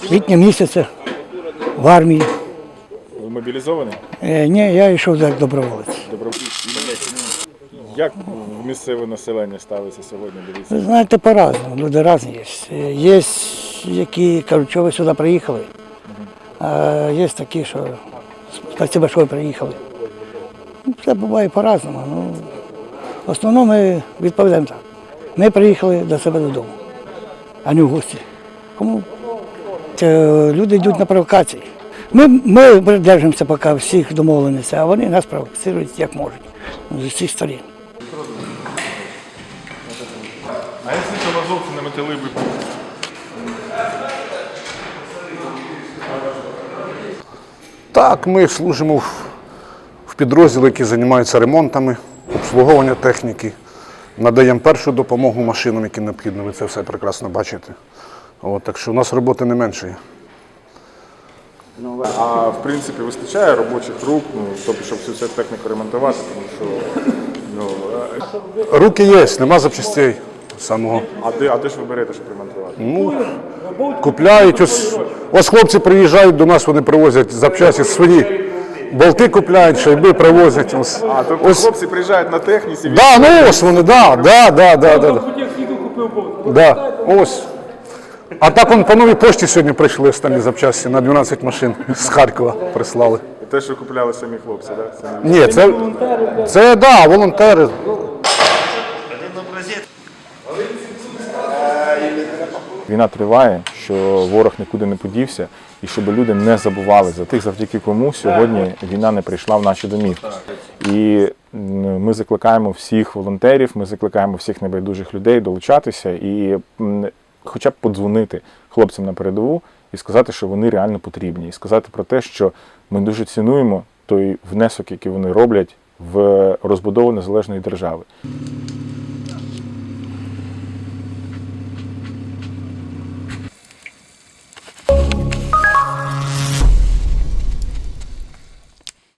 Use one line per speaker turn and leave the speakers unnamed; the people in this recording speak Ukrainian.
квітня місяця в армії.
Ви мобілізовані?
Ні, я йшов як доброволець.
Як місцеве населення ставиться сьогодні?
Ви
Дивіться.
знаєте, по-разному, люди різні є. Є, які кажуть, що ви сюди приїхали, а є такі, що спасибо, що ви приїхали. Це буває по-разному. Ну, в основному ми відповідаємо так. Ми приїхали до себе додому, а не в гості. Кому? Люди йдуть на провокації. Ми придержуємося поки всіх домовленостей, а вони нас провокують як можуть, з усіх сторін.
А якщо це азовці не метали би?
Так, ми служимо в підрозділі, які займаються ремонтами, обслуговуванням техніки, надаємо першу допомогу машинам, які необхідно, ви це все прекрасно бачите. Так що у нас роботи не менше.
А в принципі вистачає робочих рук, тобто, щоб всю цю техніку ремонтувати, тому що
Руки є, нема запчастей самого.
А де ж ви берете, щоб ремонтувати?
Купляють, ось хлопці приїжджають до нас, вони привозять запчасті свої. Болти купляють, шайби привозять.
Тобто хлопці приїжджають на техніці?
Ось вони, ось. А так по новій пошті сьогодні прийшли останні запчасті на 12 машин з Харкова прислали.
І те, що купляли самі хлопці, так?
Ні, це волонтери.
Війна триває, що ворог нікуди не подівся, і щоб люди не забували за тих, завдяки кому сьогодні війна не прийшла в наші домівки. І ми закликаємо всіх волонтерів, ми закликаємо всіх небайдужих людей долучатися і хоча б подзвонити хлопцям на передову і сказати, що вони реально потрібні. І сказати про те, що ми дуже цінуємо той внесок, який вони роблять в розбудову незалежної держави.